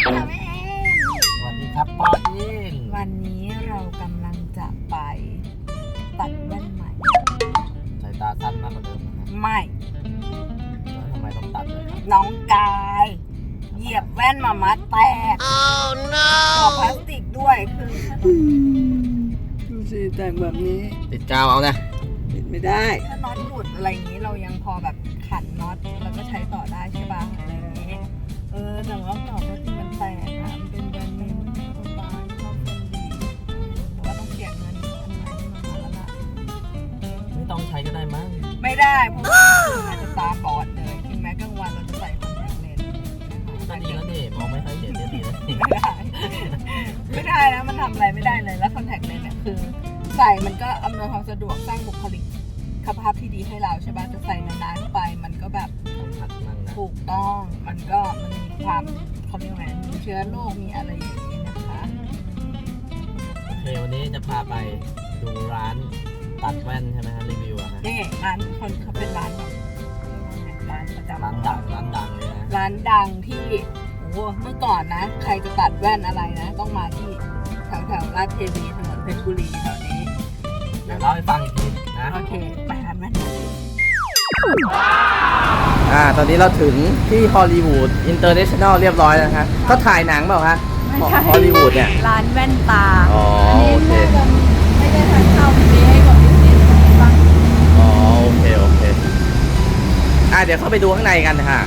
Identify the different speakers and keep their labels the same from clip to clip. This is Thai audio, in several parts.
Speaker 1: ค่ะแม่เอ็ม
Speaker 2: สวัสดีครับปออิน
Speaker 1: วันนี้เรากำลังจะไปตัดแว่นใหม่
Speaker 2: สายตาสั้นมากกว่าเดิมนะฮะ
Speaker 1: ไม่
Speaker 2: แล้วทำไมต้องตัดเลยครับ
Speaker 1: น้องกายเหยียบแว่นมามัดแตกต่อพลาสติกด้วยคือดูสิแต่งแบบนี้
Speaker 2: ติดกาวเอานะ
Speaker 1: ติดไม่ได้ถ้าน็อตหลุดอะไรอย่างนี้เรายังพอแบบขันน็อตแล้วก็ใช้ต่อได้ใช่ป่ะอะไรอย่างนี้แต่ว่าต่อพลาสติกมันแตกอะมันเป็นแบรนด์เนมมันไม่สบายชอบคนดีเพราะว่าต้องเสียเงินอันใหม่ที่มาแล้วล่ะ
Speaker 2: ไม่ต้องใช้ก็ได้มั้ง
Speaker 1: ไม่ได้เพราะว่าอาจจะตาบอดเลยถึงแม้กลางวันเราจะใส่คอนแทคเลนส์
Speaker 2: ก็ดีแล้วนี่มองไม่ค่อยเห็นเนี่ยดีแล้วนี่
Speaker 1: ไม่ได้นะมันทำอะไรไม่ได้เลยแล้วคอนแทคเลนส์เนี่ยคือใส่มันก็อำนวยความสะดวกสร้างบุคลิกภาพที่ดีให้เราใช่ป่ะจะใส่นานๆไปมันก็แบบ
Speaker 2: ต้องหัดมั่งนะ
Speaker 1: ถูกต้องมันมีความเขาเรียกว่ามีเชื้อโรคมีอะไรอย่างนี้นะคะ
Speaker 2: โอเควันนี้จะพาไปดูร้านตัดแว่นใช่ไหมฮะรีวิวอะฮะ
Speaker 1: นี่ร้านคนเขาเป็นร้านแบบร้านประจำ
Speaker 2: ร้านดังเลยนะ
Speaker 1: ร้านดังที่โอ้เมื่อก่อนนะใครจะตัดแว่นอะไรนะต้องมาที่แถวราชเทวีถนนเพชรบุรีแถวนี้
Speaker 2: เดี๋ยวเล่าให้ฟังอีกทีนะ
Speaker 1: โอเคไปร้านแว่น
Speaker 2: ตอนนี้เราถึงที่ฮอลลีวูดอินเตอร์เนชั่นแนลเรียบร้อยแล้วฮะก็ถ่ายหนังเปล่าฮะฮอลลีวูดเนี่ย
Speaker 1: ร้านแว่นตา
Speaker 2: อ๋อโอเค
Speaker 1: ไม่ได้ทานข้าวมีให้กับดิสนีย์บ้าง
Speaker 2: อ๋อโอเคเดี๋ยวเข้าไปดูข้างในกันค่ะ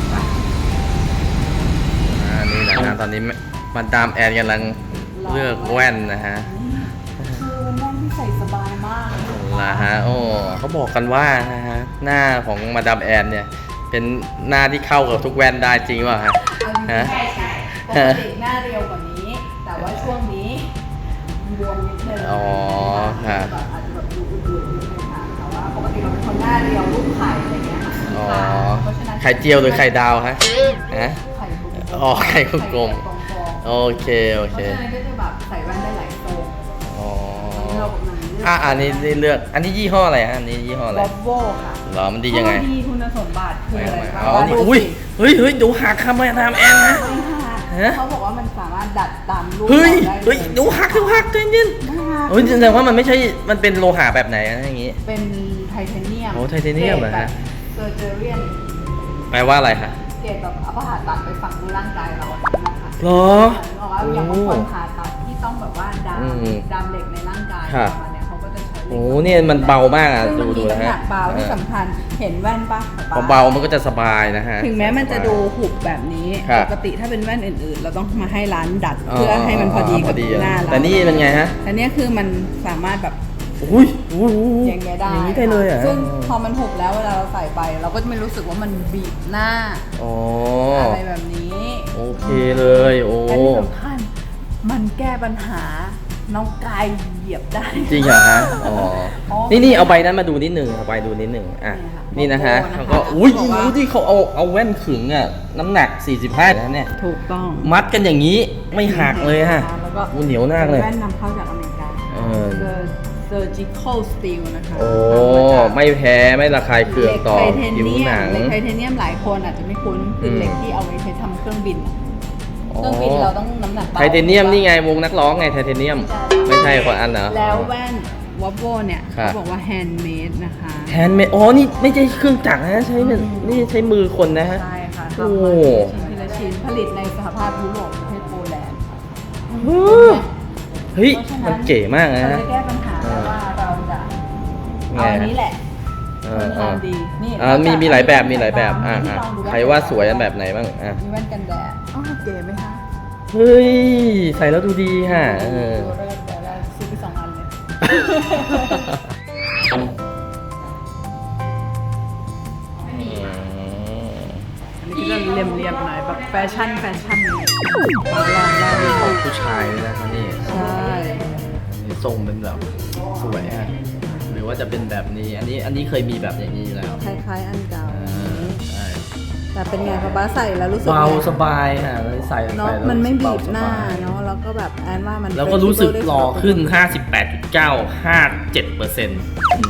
Speaker 2: นี่นะตอนนี้มาดามแอนกำลังเลือกแว่นนะฮะ
Speaker 1: คือเป็นแว่นที่ใส่สบายมากเลย
Speaker 2: นะฮะโอ้เขาบอกกันว่านะฮะหน้าของมาดามแอนเนี่ยเป็นหน้าที่เข้ากับทุกแว่นได้จริงป่ะฮะ
Speaker 1: ใช่ปกติหน้าเรียวกว่านี้ แต่ว่าช่วงนี้บวมนิดนึง
Speaker 2: อ๋อฮะ
Speaker 1: แบบอาจจะแบบดูอื่นๆนิดนึงค่ะแต่ว่าปกติเราเป็นคนหน้าเรียวรูปไข่อะไรเงี้ยค่ะ
Speaker 2: อ๋อ
Speaker 1: เพราะฉะนั้น
Speaker 2: ไข่เจียวหรือไข่ดาวฮะฮะ
Speaker 1: ไข่กลม
Speaker 2: อ๋อไข่กลม
Speaker 1: ๆ
Speaker 2: โอเค
Speaker 1: เพราะฉะนั้นก็จะแบบใส่แว่นได้หลายทรง
Speaker 2: อ๋อ
Speaker 1: เรากำลังเลือก
Speaker 2: อันนี้เลือกอันนี้ยี่ห้ออะไรฮะอันนี้ยี่ห้ออะไร
Speaker 1: วอลโว่ค่ะ
Speaker 2: เหรอมันดียังไง
Speaker 1: ข้อดีคุณสมบัติคืออะไรบ้าง
Speaker 2: อ๋อ
Speaker 1: ว่า
Speaker 2: นี่
Speaker 1: ดู
Speaker 2: อุ้ย
Speaker 1: สิ
Speaker 2: เฮ้ยดูหักคำมาดามแอนนะ ฮะ
Speaker 1: เขาบอกว่ามันสามารถดัดตามรูป
Speaker 2: เฮ้ย
Speaker 1: เราได้
Speaker 2: เฮ้ย
Speaker 1: เลย
Speaker 2: ดูหักใจเย็น
Speaker 1: ไม่หัก
Speaker 2: เฮ้ยแสดงว่ามันไม่ใช่มันเป็นโลหะแบบไหนนะอย่างงี้
Speaker 1: เป็นไทเทเนียม
Speaker 2: โอ้ไทเทเนียมเหรอฮะ
Speaker 1: เซอร์เจอเรียน
Speaker 2: แปลว่าอะไรฮะ
Speaker 1: เกรดแบบเอาผ่าตัดไปฝังในร่างกายเรานะคะ
Speaker 2: เหรอ
Speaker 1: บอกว่าอย่างบางคนผ่าตัดที่ต้องแบบว่าดาม
Speaker 2: อืม
Speaker 1: เหล็กในร่างกาย
Speaker 2: ครับ
Speaker 1: ประมาณเนี้ยเขาก็จะใช้เหล็ก
Speaker 2: โอ้เนี่ยมันเบามากอ่ะ
Speaker 1: ซึ่งมัน
Speaker 2: ดู
Speaker 1: มี
Speaker 2: นะ
Speaker 1: น้ำห
Speaker 2: ฮะ
Speaker 1: นักเบาที่สำคัญเห็นแว่นปะ
Speaker 2: พอเบามันก็จะสบายนะฮะ
Speaker 1: ถึงแม้มันจะดูหุบแบบนี้
Speaker 2: ครับ
Speaker 1: ปกติถ้าเป็นแว่นอื่นๆ เราต้องมาให้ร้านดัดเพื่อให้มันพอดีกับหน้าเรา
Speaker 2: แต่นี่เป็นไงฮะ
Speaker 1: แต่เนี้ยคือมันสามารถแบบ
Speaker 2: อุ้ย
Speaker 1: อย่างเงี้ยได้
Speaker 2: อย่างนี้ได้เลยเหรอ่ะ
Speaker 1: ซึ่งพอมันหุบแล้วเวลาเราใส่ไป เราก็จะไม่รู้สึกว่ามันบีบหน้า
Speaker 2: อ๋อ
Speaker 1: อะไรแบบนี้
Speaker 2: โอเคเลยโอ้
Speaker 1: และที่สำคัญมันแก้ปัญหาน้องกายเหยียบได้
Speaker 2: จริงเหรอฮะอ๋อ
Speaker 1: อ๋อ
Speaker 2: นี่เอาใบนั้นมาดูนิดหนึ่งเอาใบดูนิดหนึ่งอ่ะ
Speaker 1: นี่
Speaker 2: นี่
Speaker 1: ค่ะ
Speaker 2: นะฮะ
Speaker 1: โลโก้นะคะ
Speaker 2: เขาก็อุ้ย
Speaker 1: เขาบอกว่า
Speaker 2: ที่เขาเอาแว่นขึงอ่ะน้ำหนัก 45นะเนี่ย
Speaker 1: ถูกต้อง
Speaker 2: มัดกันอย่างนี้ไม่หักเลยฮะ
Speaker 1: แล้วก็
Speaker 2: เหนียวมากเลย
Speaker 1: แว่นนำเข้าจากอเมริกา surgical steel นะคะ
Speaker 2: โอ้
Speaker 1: ทำมาจาก
Speaker 2: ไม่แพ้ไม่ระคายเคืองต่อ
Speaker 1: เหล็กไทเท
Speaker 2: ผิว
Speaker 1: เนีย
Speaker 2: หนั
Speaker 1: ม
Speaker 2: ง
Speaker 1: เหล็กไทเทเนียมหลายคนอาจจะไม่คุ้นคือเหล็กที่เอาไว้ใช้ทำเครื่องบินอะเครื่องบินเราต้องน้ำหนักเบา
Speaker 2: ไทเทเนียมนี่ไงวงนักร้องไงไทเทเนียม ไม่ใช่คนอันเหรอ
Speaker 1: แล้วแว่นวอลโวเนี่ย
Speaker 2: ครับ
Speaker 1: เขาบอกว่า handmade นะคะ
Speaker 2: แฮนด์เมดอ๋อนี่ไม่ใช่เครื่องจักรนะใช้เป็นนี่ใช้มือคนนะฮะ
Speaker 1: ใช่ค่ะ
Speaker 2: โอ้
Speaker 1: ทำมาทีละชิ้นผลิตในสหภาพยุโรปประเทศโปแลนด์
Speaker 2: เฮ้ยมันเก๋มากนะ
Speaker 1: เรา
Speaker 2: ฮะ
Speaker 1: จะแก้ปัญหาว่าเราจะเอาอันนี้แหละ เป็นความดีนี่
Speaker 2: มีหลายแบบมีหลายแบบ
Speaker 1: นี่ลองดู
Speaker 2: ใครว่าสวยอันแบบไหนบ้างอ่ะ
Speaker 1: มีแว่นกันแดดอ๋อเก๋ไหมคะ
Speaker 2: เฮ้ยใส่แล้วดูดีฮะ
Speaker 1: ดูเลิศเดี๋ยวเราซื้อไป2 อันเลยอันนี้ก็จะเรียมๆหน่อยแบบแฟชั่นเลยลองดู
Speaker 2: ของผู้ชายเลยนะครับนี่
Speaker 1: ใช่
Speaker 2: นี่ทรงเป็นแบบสวยฮะหรือว่าจะเป็นแบบนี้อันนี้เคยมีแบบอย่างนี้อยู่แล้ว
Speaker 1: คล้ายๆอันเก่า
Speaker 2: ใช่
Speaker 1: แต่เป็นไงคะบ้าใส่แล้วรู้สึก
Speaker 2: เบา
Speaker 1: ไง
Speaker 2: สบายฮะแล้วใส่
Speaker 1: เนาะ
Speaker 2: แล้ว
Speaker 1: มันไม่บีบ
Speaker 2: เส
Speaker 1: หน้า
Speaker 2: บย
Speaker 1: เนาะแล้วก็แบบแอนว่ามัน
Speaker 2: แล้วก็รู้สึก
Speaker 1: flexible
Speaker 2: หล่อขึ้น
Speaker 1: ได้
Speaker 2: 58.9 57%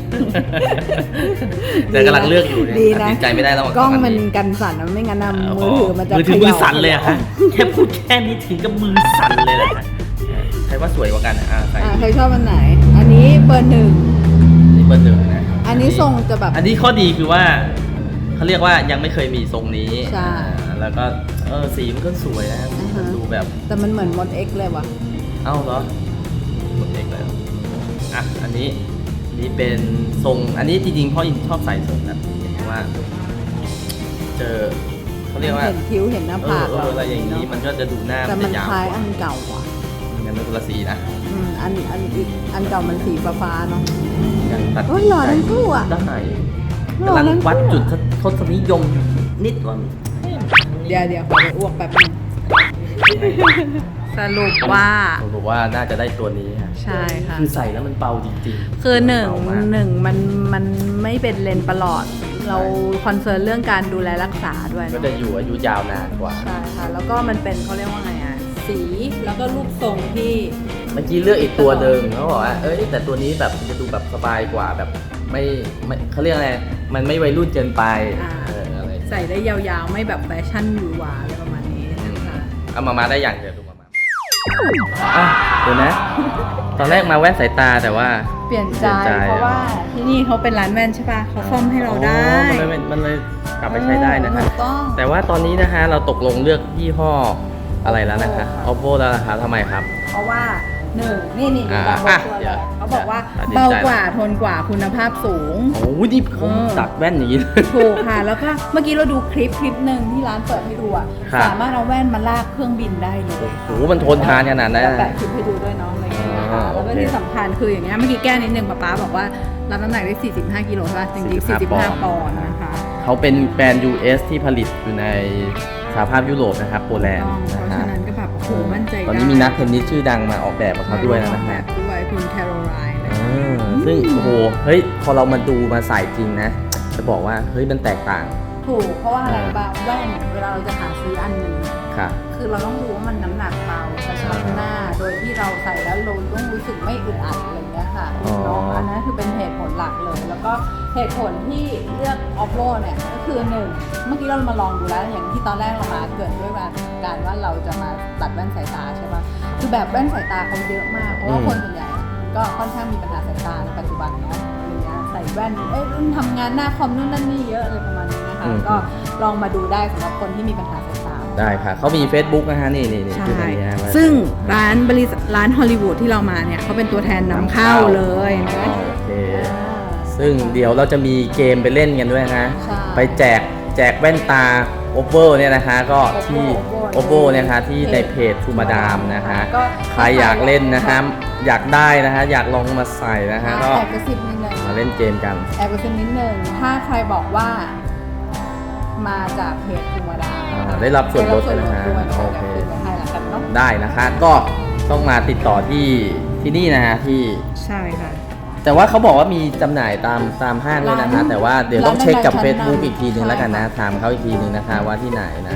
Speaker 2: แต่กำลังเลือกอยู่เนี่ย
Speaker 1: ดี
Speaker 2: ตัด
Speaker 1: นะ
Speaker 2: สินใจไม่ได้ระหว่าง
Speaker 1: กล้อง
Speaker 2: ส
Speaker 1: มัน
Speaker 2: นี้
Speaker 1: กันสั่นนะไม่งั้นนะมือถือมันจะ
Speaker 2: มือถือ
Speaker 1: ข
Speaker 2: มื
Speaker 1: ย่า
Speaker 2: อสั่นเลยอะฮะแค่พูดแค่นี้ถึงกับมือสั่นเลยแหละฮะใครว่าสวยกว่ากันอ่ะใส่
Speaker 1: ใครชอบอันไหน อันนี้เบอร์ 1
Speaker 2: นี่เบอร์หนึ่งนะ
Speaker 1: อันนี้ทรงจะแบบ
Speaker 2: อันนี้ข้อดีคือว่าเขาเรียกว่ายังไม่เคยมีทรงนี้
Speaker 1: ใช่
Speaker 2: แล้วก็สีมันก็สวยนะสีมันดูแบบ
Speaker 1: แต่มันเหมือนมด X เลยว่ะ
Speaker 2: เอ้าเหรอหมดเอกแล้วอ่ะอันนี้เป็นทรงอันนี้จริงๆพ่ออินชอบใส่ทรงแบบนี้เพราะว่าเจอเขาเรียกว่า
Speaker 1: เห็นคิ้วเห็นหน้าผาก
Speaker 2: อะไรอย่างนี้มันก็จะดูหน้า
Speaker 1: แต่
Speaker 2: มัน
Speaker 1: มั
Speaker 2: จะ
Speaker 1: น
Speaker 2: ยาว
Speaker 1: คล้าย
Speaker 2: กว่า
Speaker 1: อันเก่าว่ะ
Speaker 2: งั้นเป็นคนละสีนะ
Speaker 1: อันเก่ามันสีฟ้าๆเนาะ
Speaker 2: งั้นตัด
Speaker 1: โอ้ยหล่อทั้งคู่อะ
Speaker 2: ได้
Speaker 1: หล่อก
Speaker 2: ำลัง
Speaker 1: ทั้งคู่
Speaker 2: วัดจุดทศนิยมนิดว่า
Speaker 1: เดี๋ยวขอไปอ้วกแป๊บนึงสรุปว่า
Speaker 2: ผมบอกว่าน่าจะได้ตัวนี้ฮะ
Speaker 1: ใช่ค่ะ
Speaker 2: คือใส่แล้วมันเบาจริงๆ
Speaker 1: คือหนึ่ง
Speaker 2: เบามาก
Speaker 1: มันไม่เป็นเลนส์ประหลอด เราคอนเซิร์นเรื่องการดูแลรักษาด้วย
Speaker 2: ก็
Speaker 1: เนาะ
Speaker 2: จะอยู่อายุยาวนานกว่า
Speaker 1: ใช่ค่ะ แล้วก็มันเป็นเขาเรียกว่าไงอ่ะ สีแล้วก็รูปทรงที่
Speaker 2: เมื่อกี้เลือกอีกตัวหนึ่งเขาบอกว่าเอ้ยแต่ตัวนี้แบบจะดูแบบสบายกว่าแบบไม่เขาเรียกอะไรมันไม่วัยรุ่นเกินไปอะไร
Speaker 1: ใส่ได้ยาวๆ ไม่แบบแฟชั่นหวือหวาอะไรประมาณนี้นะคะ
Speaker 2: เอามาได้อย่างเดียวดูมาอ่ะเดี๋ยวนะ ตอนแรกมาแว่นสายตาแต่ว่า
Speaker 1: เปลี่ยนใจ
Speaker 2: เปลี่ยนใจ
Speaker 1: เพราะว่าที่นี่เขาเป็นร้านแว่นใช่ป่ะเขาซ่อมให้เราได้
Speaker 2: อ๋อมันเลยกลับไปใช้ได้นะคะ
Speaker 1: ถูกต้อง
Speaker 2: แต่ว่าตอนนี้นะคะเราตกลงเลือกยี่ห้ออะไรแล้วนะคะ Oppo แล้วนะคะทำไมครับ
Speaker 1: เพราะว่าหนึ่งนี่
Speaker 2: อ่า
Speaker 1: บาง
Speaker 2: อ่ะ
Speaker 1: ตัว
Speaker 2: เดี๋
Speaker 1: เลย
Speaker 2: วย
Speaker 1: เขาบอกว่า
Speaker 2: ตัดสินใจ
Speaker 1: เบากว่าทนกว่าคุณภาพสูง
Speaker 2: โอ้ยนี่ผมตัดแว่นอย่างนี้เลย
Speaker 1: ถูกค่ะ แล้วก็เมื่อกี้เราดูคลิปหนึ่งที่ร้านเปิดให้ดูอ่ะ
Speaker 2: ครับ
Speaker 1: สามารถเอาแว่นมาลากเครื่องบินได้เลย
Speaker 2: โอ้โหมันทนทานขนาดนั้น
Speaker 1: แล้ว
Speaker 2: นะ
Speaker 1: แปะคลิปให้ดูด้วยเน้องอะไรอย่างเงี้ยค่ะ
Speaker 2: โอ
Speaker 1: แล้ว
Speaker 2: เค
Speaker 1: ก็ที่สำคัญคืออย่างเงี้ยเมื่อกี้แก้นิดนึงป๊าบอกว่ารับน้ำหนักได้ 45 กิโลใช่ป่ะจริงๆ 45 ปอนด์นะคะ
Speaker 2: เขาเป็นแบรนด์ US ที่ผลิตอยู่ในสหภาพยุโรปนะครับโปแลนด์
Speaker 1: เพ
Speaker 2: นะ
Speaker 1: ราะ
Speaker 2: ฮะ
Speaker 1: ฉะนั้นก็แบบโอ้โหมั่นใจได้
Speaker 2: ตอนนี้มีนักเทนนิสชื่อดังมาออกแบบกับเขาด้วยนะ
Speaker 1: แบ
Speaker 2: ฮะ
Speaker 1: บด้วยคุณแคโรไลน์นะ
Speaker 2: ซึ่งโอ้โหเฮ้ยพอเรามาดูมาใส่จริงนะ จะบอกว่าเฮ้ยมันแตกต่าง
Speaker 1: ถูกเพราะว่าอะไรบ้างแว่นเวลาเราจะหาซื้ออันหนึงเนี่ย
Speaker 2: ค่ะ
Speaker 1: คือเราต้องรู้ว่ามันน้ำหนักเบากระชับหน้า โดยที่เราใส่แล้วเราต้องรู้สึกไม่อึดอัดอะไรอย่างเงี้ยค่ะ
Speaker 2: อ๋อ
Speaker 1: เนาะอันนั้นคือเป็นเหตุผลหลักเลย แล้วก็เหตุผลที่เลือก Oppo เนี่ยก็คือหนึ่งเมื่อกี้เรามาลองดูแล้วอย่างที่ตอนแรกเรามาเกิดด้วยการว่าเราจะมาตัดแว่นสายตาใช่ปะคือแบบแว่นสายตาเขาเยอะมากเพราะว่าคนส่วนใหญ่ก็ค่อนข้างมีปัญหาสายตาในปัจจุบันเนาะอะไรเงี้ยใส่แว่นรุ่นทำงานหน้าคอมนู่นนั่นนี่เยอะอะไรประมาณนี้นะคะก็ลองมาดูได้สำหรับคนที่มีปัญหาสายตา
Speaker 2: ได้ค่ะเขามี Facebook นะฮะนี่
Speaker 1: ใช่
Speaker 2: คืออันนี้ฮะว่า
Speaker 1: ซึ่งร้านฮอลลีวูดที่เรามาเนี่ยเขาเป็นตัวแทนนำเข้าเลยนะ
Speaker 2: โอเค ซึ่งเดี๋ยวเราจะมีเกมไปเล่นกันด้วยนะ
Speaker 1: ใช่
Speaker 2: ไปแจกแว่นตา Oppo เนี่ยนะคะก็ที่ Oppo เนี่ยนะคะที่ในเพจทูมาดามนะคะ
Speaker 1: ก็
Speaker 2: ใครอยากเล่นนะคะอยากได้นะคะอยากลองมาใส่นะคะก็
Speaker 1: แอบกระซิบนิดนึง
Speaker 2: มาเล่นเกมกัน
Speaker 1: แอบกระซิบนิดนึงถ้าใครบอกว่ามาจากเพจธรรมดา
Speaker 2: ได้รับส่วนลดนะฮะ
Speaker 1: ด้วย
Speaker 2: โอเค
Speaker 1: ดี๋ยวคืนไว้ให้ละกันเนาะ
Speaker 2: ได้นะคะก็ต้องมาติดต่อที่นี่นะฮะที่
Speaker 1: ใช่ค่ะ
Speaker 2: แต่ว่าเขาบอกว่ามีจำหน่ายตามห้างด้วยนะคะ
Speaker 1: ร้าน
Speaker 2: แต่ว่าเดี๋ยวต้องเช็คกับ
Speaker 1: ร้านดังๆ
Speaker 2: Facebook อีกทีหนึ่ง
Speaker 1: ใช่
Speaker 2: แล้วกันนะ
Speaker 1: ค่ะ
Speaker 2: ถามเขาอีกทีหนึ่งนะคะว่าที่ไหนนะ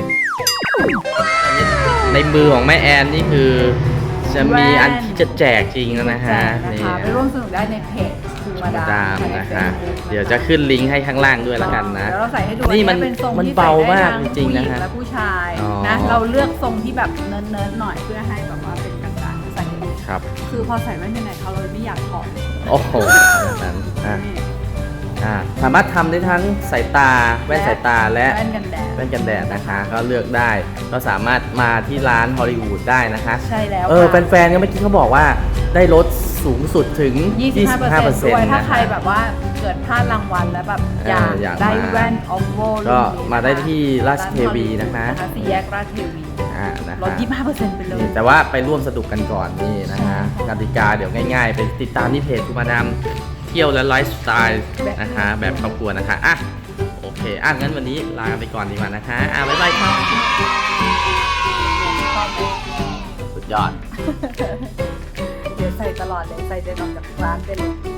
Speaker 2: ในมือของแม่แอนนี่คือจะมีอันที่จะแจกจริงแล้วนะฮะ
Speaker 1: แจก
Speaker 2: นี่
Speaker 1: นะคะไปร่วมสนุกได้ในเพจธรรมดา
Speaker 2: ดามนะคะ เดี๋ยวจะขึ้นลิงก์ให้ข้างล่างด้วยแล้วกันนะ
Speaker 1: เดี๋ยวเราใส่ให้ดู
Speaker 2: นี่มัน
Speaker 1: อัเป็นทรง
Speaker 2: มัน
Speaker 1: ที่
Speaker 2: เบา
Speaker 1: ใส่ได้
Speaker 2: มาก
Speaker 1: ทั้
Speaker 2: จริงๆนะฮะ
Speaker 1: ผู้หญิและผู้ชาย
Speaker 2: อ๋อ
Speaker 1: นะเราเลือกทรงที่แบบเนิร์ดๆหน่อยเพื่อให้แบบว่าเป็นกลางๆใส่ได้ดี
Speaker 2: ครับ
Speaker 1: คือพอใส่แว่นยังไงเขาเลยไม่อยากถอด
Speaker 2: โอ้โหขนาดนั้นสามารถทำได้ทั้งสายตาแว่นสายตาและ
Speaker 1: แว่นกันแดด
Speaker 2: แว่นกันแดดนะคะ ก็เลือกได้ก็สามารถมาที่ร้านฮอลลีวูดได้นะคะ
Speaker 1: ใช่แล้ว
Speaker 2: แฟนๆก็เมื่อกี้เขาบอกว่าได้ลดสูงสุดถึง
Speaker 1: 25% ด้วยถ้า
Speaker 2: นะ
Speaker 1: ใคร
Speaker 2: คะ
Speaker 1: แบบว่าเกิดพลาดรางวัลแล้วแบบอยาก
Speaker 2: มา
Speaker 1: ได้แว่น Oppo
Speaker 2: ก็มาได้ที่ราชเทวีนะคะ
Speaker 1: สี่แยกราชเทวี
Speaker 2: นะคะ
Speaker 1: ลด 25%ไปเลย
Speaker 2: แต่ว่าไปร่วมสนุกกันก่อนนี่นะคะกติกาเดี๋ยวง่ายๆ ไปติดตามที่เพจคุณมาดามเที่ยวและไลฟ์สไตล์นะคะแบบครอบครัวนะคะโอเคงั้นวันนี้ลาไปก่อนดีกว่านะคะบ๊ายบายครับสุดยอด
Speaker 1: เดี๋ยวใส่ตลอดเลยใส่เดินออกจากร้านไปเลย